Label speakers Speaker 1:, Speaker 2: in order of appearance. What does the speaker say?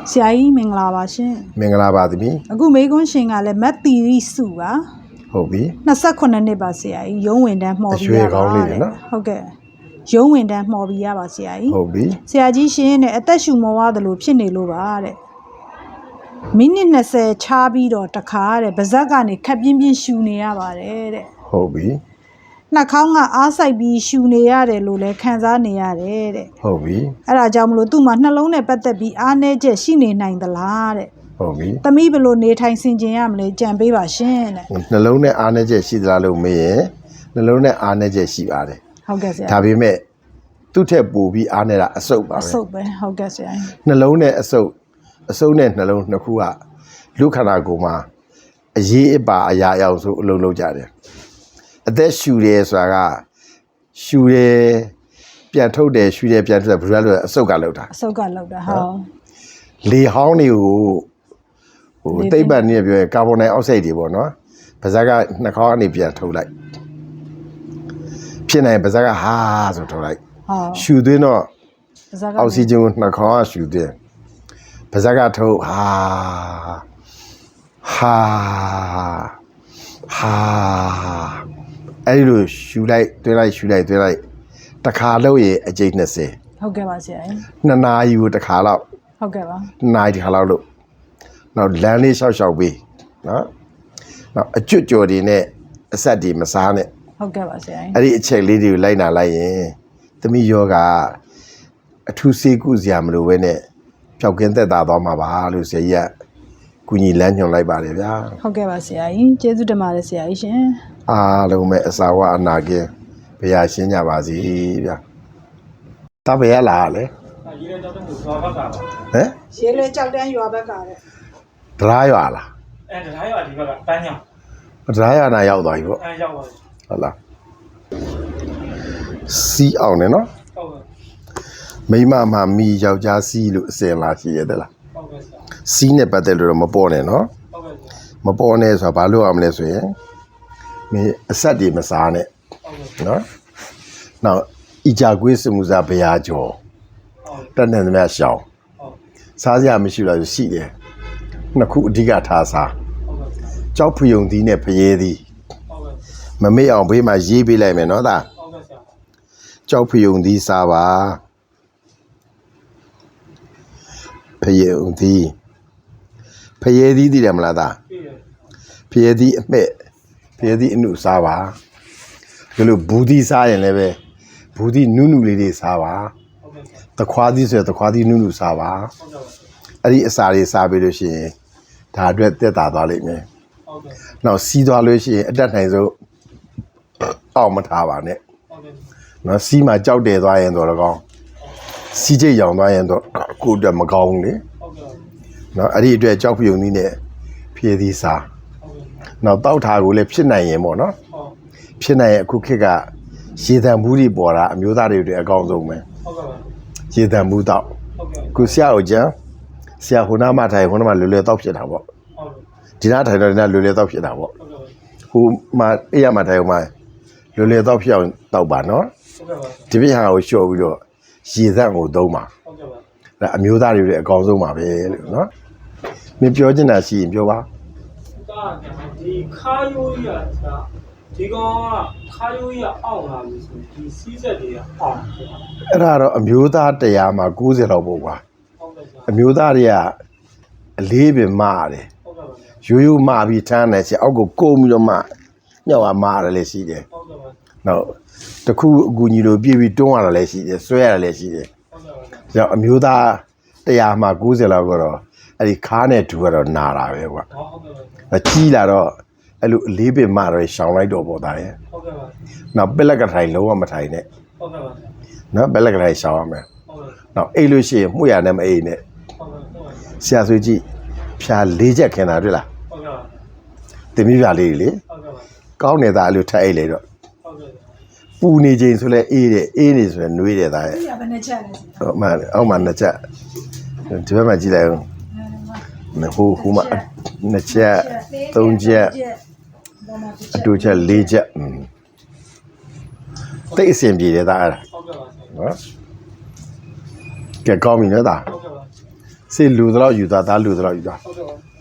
Speaker 1: ဆရာကြီးမင်္ဂလာပါရှင်
Speaker 2: မင်္ဂလာပါသမီး
Speaker 1: အခုမေကွန်းရှင်ကလည်းမတ်တီရီစုပါ
Speaker 2: ဟုတ်ပြီ
Speaker 1: 28နှစ်ပါဆရာကြီးရုံးဝင်တန်းမှော်ပြီးရပါဟုတ်ကဲ့ရုံးဝင်တန်းမှော်ပြီးရပါဆရာကြီး
Speaker 2: ဟုတ်ပြီ
Speaker 1: ဆရာကြီးရှင်နဲ့အသက်ရှူမောရတယ်လို့ဖြစ်နေလို့ပါတဲ့မိနစ်20ချားပြီးတော့တခါတဲ့ဗဇက်ကနေခက်ပြင်းပြင်းရှူနေရပါတယ်တဲ့
Speaker 2: ဟုတ်ပြီ
Speaker 1: နှာခေါင်းကအားစိုက်ပြီးရှူနေရတယ်လို့လည်းခံစားနေရတယ်တဲ့
Speaker 2: ဟုတ်ပြီ
Speaker 1: အဲ့ဒါကြောင့်မလို့သူ့မှာနှလုံးနဲ့ပတ်သက်ပြီးအားနည်းချက်ရှိနေနိုင်သလားတဲ့
Speaker 2: ဟုတ်ပြီ
Speaker 1: သမီးဘယ်လိုနေထိုင်ဆင်ခြင်ရမလဲကြံပေးပါရှင်တဲ့
Speaker 2: နှလုံးနဲ့အားနည်းချက်ရှိသလားလို့မေးရင်နှလုံးနဲ့အားနည်းချက်ရှိပါတယ်
Speaker 1: ဟုတ်ကဲ့ဆရာ
Speaker 2: ဒါပေမဲ့သူ့ထက်ပိုပြီးအားနည်းတာအဆုပ်ပါပဲ
Speaker 1: အဆုပ်ပဲဟုတ်ကဲ့ဆရာ
Speaker 2: နှလုံးနဲ့အဆုပ်နဲ့နှလုံးနှစ်ခုကလူခန္ဓာကိုယ်မှာအရေးအပါအရာအရောက်ဆိုအလုံးလုံးကြတယ်အသက်ရှူတယ်ဆိုတာကရှူတယ်ပြန်ထုတ်တယ်ရှူတယ်ပြန်ထုတ်တယ်ဘယ်လိုလဲအဆုပ်ကလောက်တာ
Speaker 1: အဆုပ်ကလောက်တာဟုတ်
Speaker 2: လေဟောင်းတွေကိုတိတ်ပတ်နေပြောရင်ကာဗွန်ဒိုင်အောက်ဆိုက်တွေပေါ့နော်ပါးစပ်ကနှာခေါင်းကနေပြန်ထုတ်လိုက်ဖြစ်နိုင်ပါးစပ်ကဟာဆိုထုတ်လိုက်ရှူသွင်းတော့အောက်ဆီဂျင်ကိုနှာခေါင်းကရှူသွင်းပါးစပ်ကထုတ်ဟာအဲ့လိုရှူလိုက်သွင်းလိုက်ရှူလိုက်သွင်းလိုက်တစ်ခါလို့ရအကျိတ်20
Speaker 1: ဟုတ်ကဲ့ပါဆရာ
Speaker 2: 2နာရီကိုတစ်ခါလောက်
Speaker 1: ဟုတ်ကဲ့ပါ
Speaker 2: 2နာရီတစ်ခါလောက်လို့နောက်လမ်းလေးရှောက်ပေးနော်နောက်အကျွတ်ကြော်တွေနဲ့အဆက်တွေမစားနဲ့
Speaker 1: ဟုတ်ကဲ့ပါဆရာ
Speaker 2: အဲ့ဒီအချက်လေးတွေကိုလိုက်နာလိုက်ရင်သမီးယောဂအထူးစေးကုစရာမလိုဘဲနဲ့ပျောက်ကင်းသက်သာသွားမှာပါလို့ဆရာကြီးကကုညီလမ်းညွှန်လိုက်ပါတယ်ဗျာ
Speaker 1: ဟုတ်ကဲ့ပါဆရာကြီးကျေးဇူးတင်ပါတယ်ဆရာကြီးရှင်
Speaker 2: အားလုံးပဲအစာဝအနာကင်းဘုရားရှင်းကြပါစေဗျာတပည့်ရလားလေ
Speaker 3: ရေးလဲကြောက်တဲ့ရွာဘက်ကပါ
Speaker 2: ဟမ်
Speaker 1: ရေးလဲကြောက်တဲ့ရွာဘက်ကတဲ့
Speaker 2: ဒရာရွာလား
Speaker 3: ဒရာရွာဒီဘက်ကပန်းညောင်
Speaker 2: ဒရာရွာနာရောက်သွားပြီပေါ့
Speaker 3: ရောက်ပါပြီ
Speaker 2: ဟုတ်လားစီးအောင်နော်
Speaker 3: ဟုတ်ကဲ့
Speaker 2: မိမမှမီယောက်ျားစီးလို့အစင်လာရှိရတယ်လား
Speaker 3: ဟုတ်ကဲ့ဆရာ
Speaker 2: စီးနဲ့ပတ်သက်လို့တော့မပေါ်နဲ့နော်
Speaker 3: ဟုတ်ကဲ့
Speaker 2: မပေါ်နဲ့ဆိုတာဘာလို့ရမလဲဆိုရင်မင်းအဆက်တွေမစားနဲ့နော်နောက်အီဂျာကွေးစမှုစားဘရာကျော်တက်နေသမျှရှောင်းစားစရာမရှိတော့ရှိတယ်နှစ်ခုအဓိကထားစားကြောက်ဖယုံသီးနဲ့ဖရဲသီးမမေ့အောင်ဘေးမှာရေးပေးလိုက်မယ်နော်သားကြောက်ဖယုံသီးစားပါဖရဲသီးသိတယ်မလားသားဖရဲသီးအမဲ့ဖရဲသီးအနုစားပါဒီလိုဘူးသီးစားရင်လည်းပဲဘူးသီးနုလေးတွေစားပါတခွားသီးဆိုရင်တခွားသီးနုစားပါအဲ့ဒီအစာတွေစားပြီးလို့ရှိရင်ဒါအတွက်တက်တာသွားလိမ့်မယ်နောက်စီးသွားလို့ရှိရင်အတက်နိုင်ဆုံးအောက်မထားပါနဲ့နော်စီးမှာကြောက်တယ်သွားရင်တော့ကောင်းစီးချိတ်ရောင်သွားရင်တော့ကိုယ်အတွက်မကောင်းဘူးလေနော်အဲ့ဒီအတွက်ကြောက်ပြုံနည်းနဲ့ဖြည့်သီးစားနောက်တောက်ထားကိုလည်းဖြစ်နိုင်ရင်ပေါ့နော်ဖြစ်နိုင်ရင်အခုခေတ်ကရေတံဘူးတွေပေါ်တာအမျိုးသားတွေအတွက်အကောင်းဆုံးပဲရေတံဘူးတောက်ခုဆရာကိုကြံဆရာဟိုနာမထိုင်ဟိုနာမလွယ်လွယ်တောက်ဖြစ်တာပေါ့ဒီနာထိုင်တော့ဒီနာလွယ်လွယ်တောက်ဖြစ်တာပေါ့ဟိုမှာအေးရမှာထိုင်ဟိုမှာလွယ်လွယ်တောက်ဖြစ်အောင်တောက်ပါနော်ဒီပြဟာကိုလျှော့ပြီးတော့ရေသန့်ကိုသုံးပါဒါအမျိုးသားတွေရဲ့အကောင်းဆုံးပါပဲလို့နော်မင်းပြောချင်တာရှိရင်ပြောပါ
Speaker 3: ဒီခါယိုးရတာဒီကောင်ကခါယိုးရအောင်လာပြီဆိုဒီစီးဆက်တွေကအောင်
Speaker 2: အဲ့ဒါတော့အမျိုးသားတရားမှာ90လောက်ပေါ့ကွာအမျိုးသားတွေကအလေးပင်မရတယ်ရိုးရိုးမပြီးထမ်းတယ်ချင်အောက်ကိုကုန်းပြီးတော့မှညောက်အောင်မရတယ်လည်းရှိတယ်နောက်တခုအကူကြီးလိုပြည့်ပြီးတွန်းရတာလည်းရှိတယ်ဆွဲရတာလည်းရှိတယ်ကြောင့်အမျိုးသားတရားမှာ90လောက်ကတော့အဲ့ဒီခါးနဲ့ဒူကတော့နာတာပဲကွာကြီးလာတော့အဲ့လိုအလေးပင်မတော့ရှောင်လိုက်တော့ပေါ့သားရဲ့နောက်ပက်လက်ကထိုင်လုံးဝမထိုင်နဲ့နော်ပက်လက်ကထိုင်ရှောင်ရမယ်နောက်အိတ်လို့ရှိရင်မှုရနဲ့မအိတ်နဲ့ဆရာဆိုကြည့်ဖြာ၄ချက်ခင်တာတွေ့လားတင်မိဖြာလေးလေကောင်းနေတာအဲ့လိုထပ်အိတ်လေတော့ပူနေချိန်ဆိုလဲအေးတယ်အေးနေဆိုလဲနှွေးတယ်သားရဲ့
Speaker 1: ဘယ်နှချက်လဲ
Speaker 2: ဟုတ်မှအောက်မှာ2ချက်ဒီဘက်မှာကြည့်လိုက်အောင်ဟိုမှာ2ချက်3ချက်အတူချက်4ချက်တိတ်အဆင်ပြေတယ်သားအဲ့ဒါနော်ကဲကောင်းပြီနော်သားစေလူတော့ယူသားသားလူတော့ယူသား
Speaker 3: ဟုတ်ကဲ့